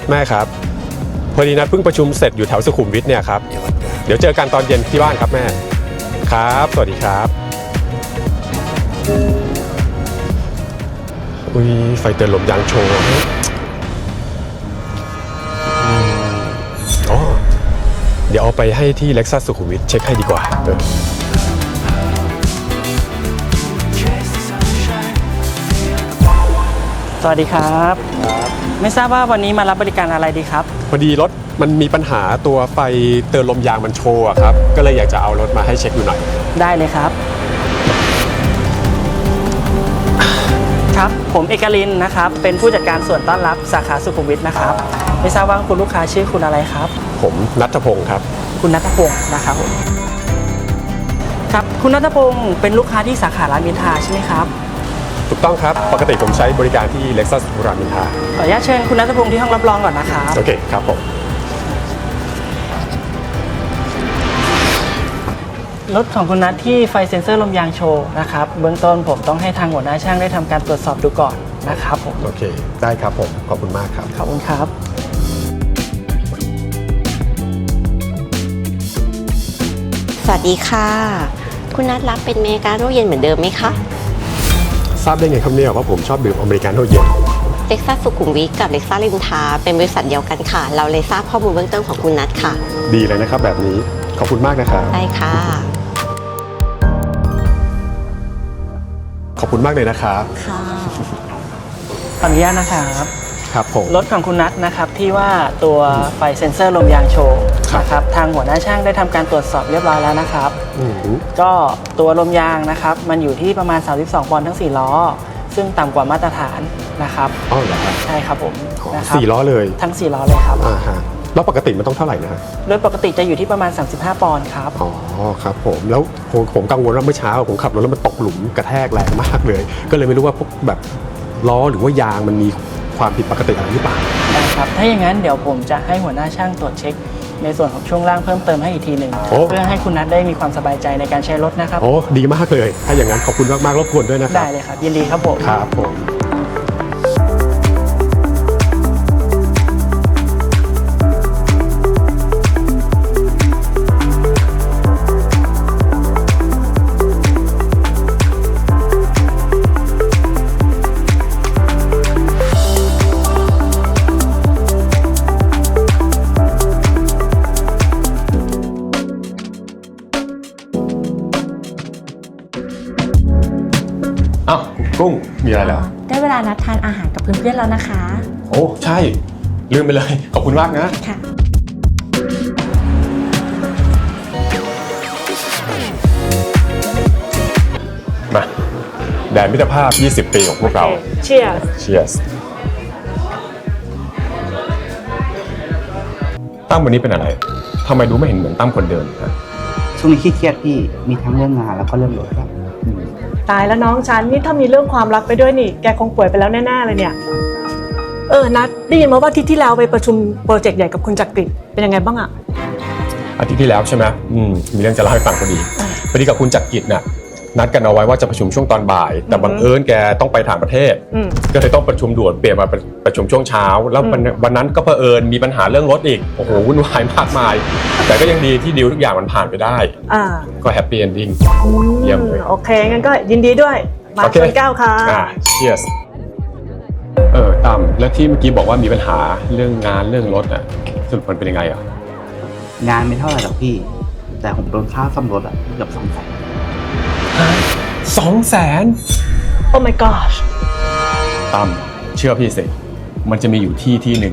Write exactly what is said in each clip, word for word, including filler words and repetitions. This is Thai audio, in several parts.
แม่ครับพอดีนัดเพิ่งประชุมเสร็จอยู่แถวสุขุมวิทเนี่ยครับเดี๋ยวเจอกันตอนเย็นที่บ้านครับแม่ครับสวัสดีครับอุ้ยไฟเตือนลมยางโชว์อ๋อเดี๋ยวเอาไปให้ที่ Lexus สุขุมวิทเช็คให้ดีกว่าเออสวัสดีครับไม่ทราบว่าวันนี้มารับบริการอะไรดีครับพอดีรถมันมีปัญหาตัวไฟเตือนลมยางมันโชว์ครับก็เลยอยากจะเอารถมาให้เช็คดูหน่อยได้เลยครับครับผมเอกลินนะครับเป็นผู้จัดการส่วนต้อนรับสาขาสุขุมวิทนะครับไม่ทราบว่าคุณลูกค้าชื่อคุณอะไรครับผมณัฐพงศ์ครับคุณณัฐพงศ์นะครับผมครับคุณณัฐพงศ์เป็นลูกค้าที่สาขารามอินทราใช่ไหมครับถูกต้องครับปกติผมใช้บริการที่ Lexus รามอินทราขออนุญาตเชิญคุณณัฐพงศ์ที่ห้องรับรองก่อนนะครับโอเคครับผมรถของคุณนัทที่ไฟเซ็นเซอร์ลมยางโชว์นะครับเบื้องต้นผมต้องให้ทางหัวหน้าช่างได้ทำการตรวจสอบดูก่อนนะครับผมโอเคได้ครับผมขอบคุณมากครับขอบคุณครับสวัสดีค่ะคุณนัทรับเป็นอเมริกาโน่เย็นเหมือนเดิมไหมคะทราบได้ไงครับเนี่ยว่าผมชอบดื่มอเมริกาโน่เย็นเล็กซัสสุขุมวิทกับเล็กซัสริมทราเป็นบริษัทเดียวกันค่ะเราเลยทราบข้อมูลเบื้องต้นของคุณนัทค่ะดีเลยนะครับแบบนี้ขอบคุณมากนะครับได้ค่ะขอบคุณมากเลยนะครับค่ะขออนุญาตนะครับครับผมรถของคุณนัทนะครับที่ว่าตัวไฟเซ็นเซอร์ลมยางโชว์นะครับทางหัวหน้าช่างได้ทำการตรวจสอบเรียบร้อยแล้วนะครับก็ตัวลมยางนะครับมันอยู่ที่ประมาณสามสิบสองปอนด์ทั้งสี่ล้อซึ่งต่ำกว่ามาตรฐานนะครับอ๋อเหรอครับใช่ครับผมนะครับสี่ล้อเลยทั้งสี่ล้อเลยครับอ่าฮะแล้วปกติมันต้องเท่าไหร่นะฮะโดยปกติจะอยู่ที่ประมาณสามสิบห้าปอนด์ครับอ๋อครับผมแล้วผมผมกังวลว่าเมื่อเช้าผมขับรถแล้วมันตกหลุมกระแทกแรงมากเลยก็เลยไม่รู้ว่าพวกแบบล้อหรือว่ายางมันมีความผิดปกติอะไรหรือเปล่าได้ครับถ้าอย่างนั้นเดี๋ยวผมจะให้หัวหน้าช่างตรวจเช็คในส่วนของช่วงล่างเพิ่มเติมให้อีกทีหนึ่งเพื่อให้คุณนัทได้มีความสบายใจในการใช้รถนะครับโอ้ดีมากเลยถ้าอย่างนั้นขอบคุณมากๆรบกวนด้วยนะครับได้เลยครับยินดีครับผมครับผมอ้าวกุ้งมีอะไรเหรอได้เวลานัดทานอาหารกับเพื่อนๆแล้วนะคะโอ้ใช่ลืมไปเลยขอบคุณมากนะค่ะมาแดนมิตรภาพยี่สิบปีของพวกเรา Cheers Cheers ตั้มวันนี้เป็นอะไรทำไมดูไม่เห็นเหมือนตั้มคนเดิมครับช่วงนี้ขี้เครียดพี่มีทั้งเรื่องงานแล้วก็เรื่องรถครับตายแล้วน้องฉันนี่ถ้ามีเรื่องความรักไปด้วยนี่แกคงป่วยไปแล้วแน่ๆเลยเนี่ยเออนัดได้ยินมาว่าอาทิตย์ที่แล้วไปประชุมโปรเจกต์ใหญ่กับคุณจักริดเป็นยังไงบ้างอะอาทิตย์ที่แล้วใช่ไหมอืมมีเรื่องจะเล่าให้ฟังพอดีพอดีกับคุณจักริดน่ะนัดกันเอาไว้ว่าจะประชุมช่วงตอนบ่ายแต่บังเอิญแกต้องไปต่างประเทศก็เลยต้องประชุมด่วนเปลี่ยนมาประชุมช่วงเช้าแล้ววันนั้นก็เผอิญมีปัญหาเรื่องรถอีกโอ้โหวุ่นวายมากมายแต่ก็ยังดีที่ดีลทุกอย่างมันผ่านไปได้ก็แฮปปี้เอนดิ้งเยี่ยมเลยโอเคงั้นก็ยินดีด้วยมาชนแก้วค่ะเชียร์เออตั้มแล้วที่เมื่อกี้บอกว่ามีปัญหาเรื่องงานเรื่องรถอ่ะสรุปมันเป็นยังไงอ่ะงานไม่เท่าไหร่หรอกพี่แต่ผมโดนค่าซ่อมรถอ่ะเกือบสองแสนสองแสนโอ้ my gosh ตั้มเชื่อพี่สิมันจะมีอยู่ที่ที่หนึ่ง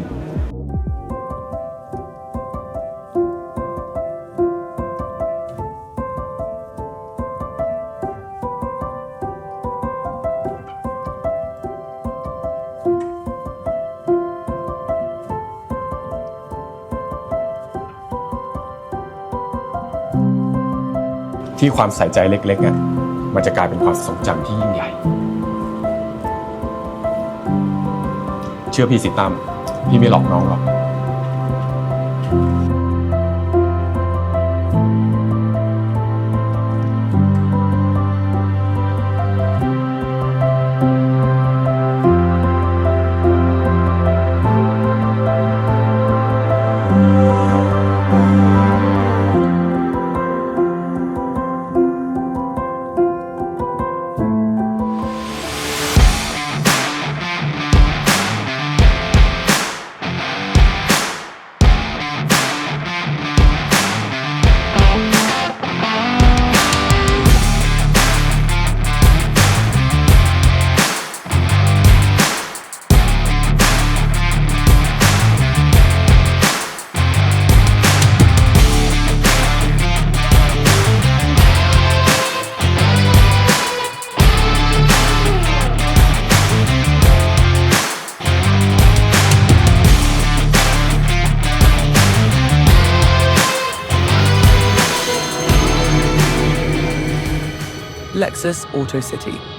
ที่ความใส่ใจเล็กๆอ่ะมันจะกลายเป็นความทรงจำที่ยิ่งใหญ่เชื่อพี่สิตั้มพี่ไม่หลอกน้องหรอก Lexus Auto City.